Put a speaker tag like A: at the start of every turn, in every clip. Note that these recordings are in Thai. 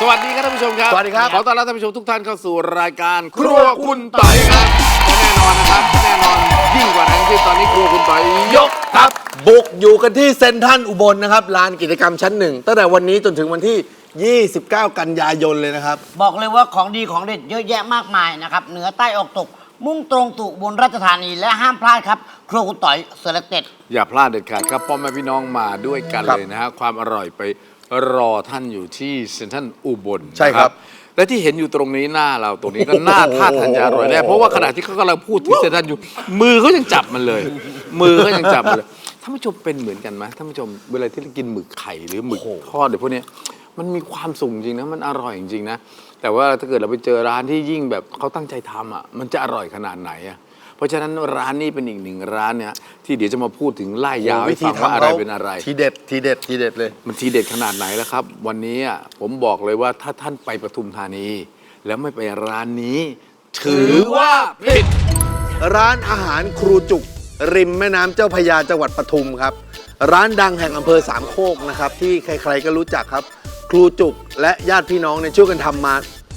A: สวัสดีครับท่านผู้ชมครับ
B: สวัสดีครับ
A: ขอต้อนรับท่านผู้ชมทุกท่านเข้าสู่รายการครัวคุณต่อยครับและแน่นอนนะครับแน่นอนยิ่งกว่านั้นที่ตอนนี้ครัวคุณต่อยยกครับ
B: บุกอยู่กันที่เซ็นทรัลอุบลนะครับลานกิจกรรมชั้นหนึ่งตั้งแต่วันนี้จนถึงวันที่ 29 กันยายนเลยนะครับ
C: บอกเลยว่าของดีของเด็ดเยอะแยะมากมายนะครับเหนือใต้ออกตก มุ่งตรงสู่อุบลราชธานีและห้ามพลาดครับ ครัวคุณต่อยเสร็จเด็ด
A: อย่าพลาดเด็ดขาดครับพ่อแม่พี่น้องมาด้วยกัน
B: ครับ
A: เลยนะฮะความอร่อยไปรอท่านอยู่ที่เซ็นทรัลอุบล
B: ใช่ครับ
A: นะและที่เห็นอยู่ตรงนี้หน้าเราตรงนี้ก็หน้าท่าทานจะอร่อยแน่เพราะว่าขณะที่เขากำลังพูดถึงเซ็นทรัลอยู่มือเขายังจับมันเลย มือเขายังจับมันเลยท่านผู้ชมเป็นเหมือนกันไหมท่านผู้ชมเวลาที่เรากินหมึกไข่หรือหมึกทอดเดี๋ยวพวกเนี้ยมันมีความสุขจริงนะมันอร่อยจริงนะแต่ว่าถ้าเกิดเราไปเจอร้านที่ยิ่งแบบเขาตั้งใจทำอ่ะมันจะอร่อยขนาดไหนอ่ะเพราะฉะนั้นร้านนี้เป็นอีกหนึ่งร้านเนี่ยที่เดี๋ยวจะมาพูดถึงไล่ยาวให้ฟังว่าอะไรเป็นอะไร
B: ทีเด็ดทีเด็ดทีเด็ดเลย
A: มันทีเด็ดขนาดไหนแล้วครับ วันนี้อ่ะผมบอกเลยว่าถ้าท่านไปปทุมธานี แล้วไม่ไปร้านนี้ ถือว่าผิด
B: ร้านอาหารครูจุก ริมแม่น้ำเจ้าพระยาจังหวัดปทุมครับ ร้านดังแห่งอำเภอสามโคกนะครับที่ใครๆก็รู้จักครับ ครูจุกและญาติพี่น้องเนี่ยช่วยกันทำมา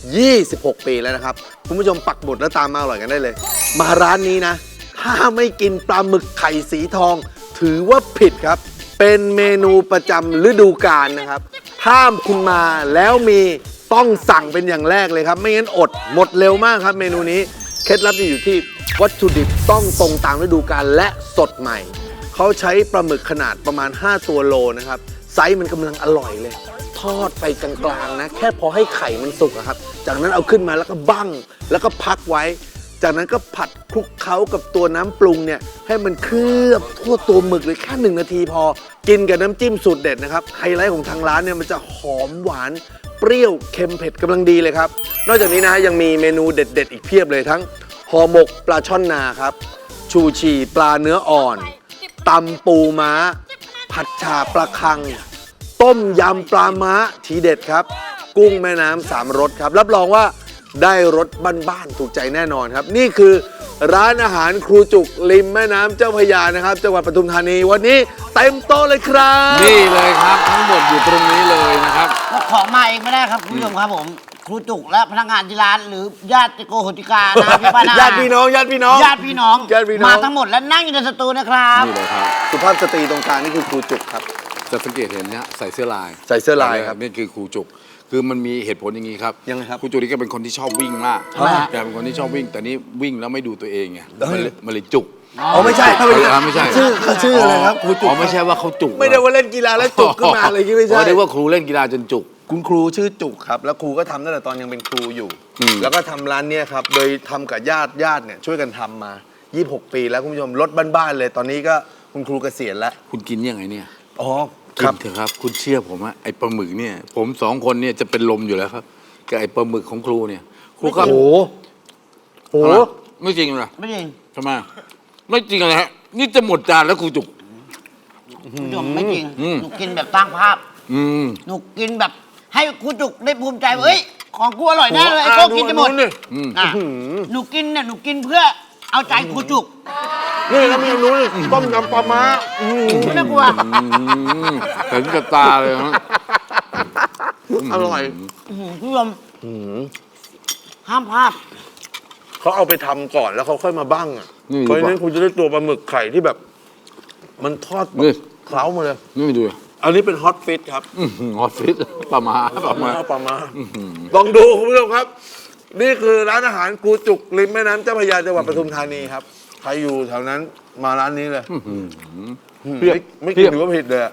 B: 26 ปีแล้วนะครับคุณผู้ชมปักหมุดแล้วตามมาอร่อยกันได้เลย มาร้านนี้นะ ถ้าไม่กินปลาหมึกไข่สีทอง ถือว่าผิดครับ เป็นเมนูประจำฤดูกาลนะครับ ถ้าคุณมาแล้วมีต้องสั่งเป็นอย่างแรกเลยครับ ไม่งั้นอดหมดเร็วมากครับเมนูนี้เคล็ดลับจะอยู่ที่วัตถุดิบต้องตรงตามฤดูกาลและสดใหม่ เขาใช้ปลาหมึกขนาดประมาณ 5 ตัวโลนะครับ ไซส์มันกำลังอร่อยเลย ทอดไปกลางๆนะ แค่พอให้ไข่มันสุกอะครับ จากนั้นเอาขึ้นมาแล้วก็บั้งแล้วก็พักไว้ จากนั้นก็ผัดคลุกเคล้ากับตัวน้ำปรุงเนี่ยให้มันเคลือบทั่วตัวหมึกเลยแค่1 นาทีพอ กินกับน้ำจิ้มสูตรเด็ดนะครับไฮไลท์ของทางร้านเนี่ยมันจะหอมหวานเปรี้ยวเค็มเผ็ดกำลังดีเลยครับ นอกจากนี้นะฮะยังมีเมนูเด็ดๆอีกเพียบเลยทั้งห่อหมกปลาช่อนนาครับชูชีปลาเนื้ออ่อนตำปูม้า ผัดฉ่าปลาคัง ต้มยำปลาม้าทีเด็ดครับ กุ้งแม่น้ำ3 รสครับ รับรองว่าได้รสบ้านๆถูกใจแน่นอนครับ นี่คือร้านอาหารครูจุกริมแม่น้ำเจ้าพระยานะครับจังหวัดปทุมธานีวันนี้เต็มโต๊ะเลยครับ
A: นี่เลยครับทั้งหมดอยู่ตรงนี้เลยนะครับ
C: ก็ของมาเองไม่ได้ครับคุณผู้ชมครับผม ครูจุกและพนักงานที่ร้านหรือญาติโกโหติกานะพี่ป้านา
B: ญาติพี่น้องญาติพี่น้อง
C: ญาติพี่น้อง
B: ญาติพี่น้อง
C: มาทั้งหมดและนั่งอยู่ในสตูนะครับ
A: นี่เลยครับ
B: สุภาพสตรีตรงกลางนี่คือครูจุกครับ
A: จะสังเกตเห็นเนี่ยใส่เสื้อลาย
B: ใส่เสื้อลายครับ
A: นี่คือครูจุก คือมันมีเหตุผลอย่างนี้ครับ
B: ยังไงครับ
A: ครูจุกนี่ก็เป็นคนที่ชอบวิ่งมาก
C: ทำไมฮะ
A: แกเป็นคนที่ชอบวิ่ง แต่นี่วิ่งแล้วไม่ดูตัวเองไงมันเลยจุก
B: อ๋อไม่ใช่
A: ไม่ใช่
B: ชื่ออะไรครับครูจุก
A: อ๋อไม่ใช่ว่าเขาจุก
B: ไม่ได้ว่าเล่นกีฬาแล้วจุกขึ้นมาอะไรอย่างงี้ไม่ใช่
A: อ๋อได้ว่าครูเล่นกีฬาจนจุก
B: คุณครูชื่อจุกครับ แล้วครูก็ทำตั้งแต่ตอนยังเป็นครูอยู่ แล้วก็ทำร้านเนี้ยครับ โดยทำกับญาติเนี่ยช่วยกันทำมา 26 ปีแล้วคุณผู้ชมรถบ้านๆเลยตอนนี้ก็คุณครูเกษียณแล้ว
A: คุณกินยังไงเนี่ย
B: อ๋อ
A: กินเถอะครับ คุณเชื่อผมว่าไอ้ปลาหมึกเนี่ย ผม2 คนเนี่ยจะเป็นลมอยู่แล้วครับกับไอ้ปลาหมึกของครูเนี่ย ครูก็
B: โอ้โห
A: ทำไมไม่จริงเหรอ
C: ไม่จริง
A: ทำไมไม่จริงอะไรฮะนี่จะหมดจานแล้วครูจุก
C: คุณผู้ชมไม่จริง
A: อืม
C: หนูกินแบบสร้างภาพ
A: อืม
C: หนูกินแบบให้ครูจุกได้ภูมิใจว่าเอ้ยของกูอร่อยแน่เลยไอ้โก้กินจะหมด
A: อืม
C: อ่ะหนูกินเนี่ยหนูกินเพื่อเอาใจครูจุก
B: นี่แล้วมีนู้นต้มยำปลาม้า
C: ไม่น่ากลัว
A: เห็นกับตาเลยฮะ
B: อร่อย
C: คุณผู้ชมห้ามพลาด
B: เขาเอาไปทำก่อนแล้วเขาค่อยมาบ้างอ่ะ
A: นี่
B: เพราะฉะนั้นคุณจะได้ตัวปลาหมึกไข่ที่แบบ มันทอดแบบ
A: นี่
B: เคล้ามาเลย
A: นี่ดู
B: อันนี้เป็นฮอตฟิตครับ
A: ฮอตฟิตปลาหมา
B: ปลาม้าลองดูคุณผู้ชมครับ นี่คือร้านอาหารครูจุกริมแม่น้ำเจ้าพระยาจังหวัดปทุมธานีครับใครอยู่แถวนั้นมาร้านนี้เลยไม่กินถือว่าผิดเลยอะ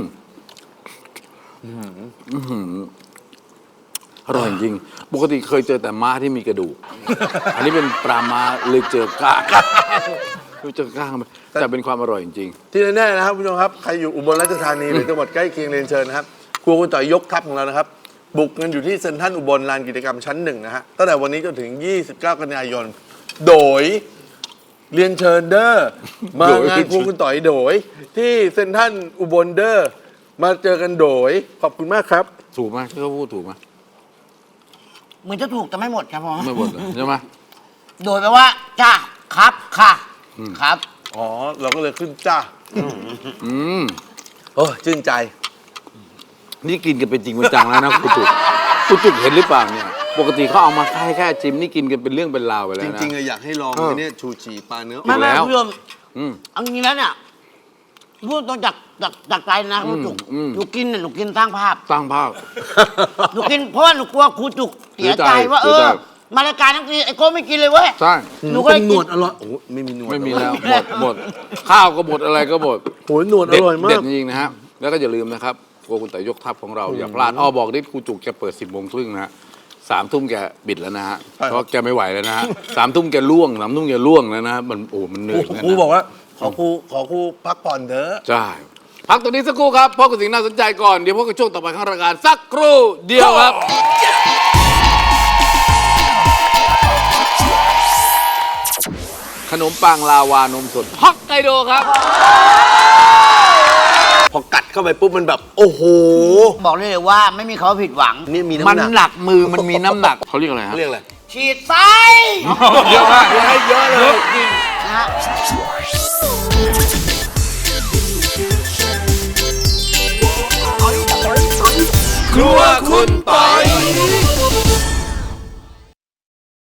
A: อร่อยจริง ปกติเคยเจอแต่ม้าที่มีกระดูก อันนี้เป็นปลาม้าเลยเจอก้างเลยเจอก้างมันแต่เป็นความอร่อยจริง
B: ที่แน่ๆนะครับคุณผู้ชมครับใครอยู่อุบลราชธานีหรือจังหวัดใกล้เคียงเรียนเชิญนะครับครัวคุณต่อยยกทัพของเรานะครับ บุกกันอยู่ที่เซ็นทรัลอุบลลานกิจกรรมชั้น 1นะฮะตั้งแต่วันนี้จนถึง 29 กันยายน โดยเรียนเชิญเด้อมางานครัวคุณต่อยโดย ที่เซ็นทรัลอุบลเด้อมาเจอกันโดยขอบคุณมากครับ
A: ถูกไหมที่เขาพูดถูกไหม
C: เหมือนจะถูกแต่ไม่หมดครับผม
A: ไม่หมดเหรอใช่ไหม
C: โดยแปลว่าจ้าครับค่ะครับ
B: อ๋อเราก็เลยขึ้นจ้า
A: อืม
B: โอ้ชื่นใจ
A: นี่กินกันเป็นจริงเป็นจังแล้วนะครูจุกคุณจุกเห็นหรือเปล่าเนี่ยปกติเขาเอามาแค่จิมนี่กินกันเป็นเรื่องเป็นราวไปแล้
B: จ
A: วนะ
B: ริงๆอยากให้ลอง
A: เออ
B: ไอ้เนี่ยชูชีปลาเนื้อ
C: ไม่
A: แล้ว
C: คุณผู้ชม
A: อืม
C: เอาจริงๆแล้วเนี่ยพูดตรงจากใจนะครูจุก
A: อืม
C: หนูกินเนี่ยหนูกินสร้างภาพ
A: สร้างภาพ
C: หนูกินเพราะว่าหนูกลัวครูจุกเสียใจว่า
A: เสียใจ
C: มารายการทั้งทีไอ้โก้ไม่กินเลยเว้ย
A: ใช่
C: หนูก็
B: เป็
C: เลย
B: นหน
C: กิ
B: วน ดอร่อยโอ้โหไม่มีหนวด
A: ไม่มีแล้วหมดข้าวก็หมดอะไรก็หมด
B: โอ้ยหนวดอร่อยมา
A: เด็ด
B: ก
A: จริงๆนะฮะแล้วก็อย่าลืมนะครับครัวคุณต่อยยกทัพของเราอย่าพลาดบอกดิครูจุกแกเปิด 10:30นะฮะ3 ทุ่มแกบิดแล้วนะฮะ
B: ใช่ครับ
A: เพราะแกไม่ไหวแล้วนะฮะ3 ทุ่มแกล่วง3 ทุ่มแกล่วงแล้วนะมันมันเหนื่อยเหมือนกัน
B: ครู
A: นะ
B: บอกว่าขอครูพักผ่อนเถอะ
A: ใช่พักตรงนี้สักครู่ครับพบกับสิ่งน่าสนใจก่อนเดี๋ยวพบกับช่วงต่อไปของรายการสักครู่เดียวครับ ขนมปังลาวานมสดฮอกไกโดครับ
B: พอกัดเข้าไปปุ๊บมันแบบ โอ้โห
C: บอกเลยว่าไม่มีเขาผิดหวัง
B: นี่มี
A: มัน
B: น้ำหนัก
A: หนักมือมันมีน้ำหนักเขาเรียกอะไรฮะ
B: เรียกอะไร
C: ฉีดไส้
A: เยอะมากให้เยอะเลย
C: นะฮะ
A: ครัวคุณปอย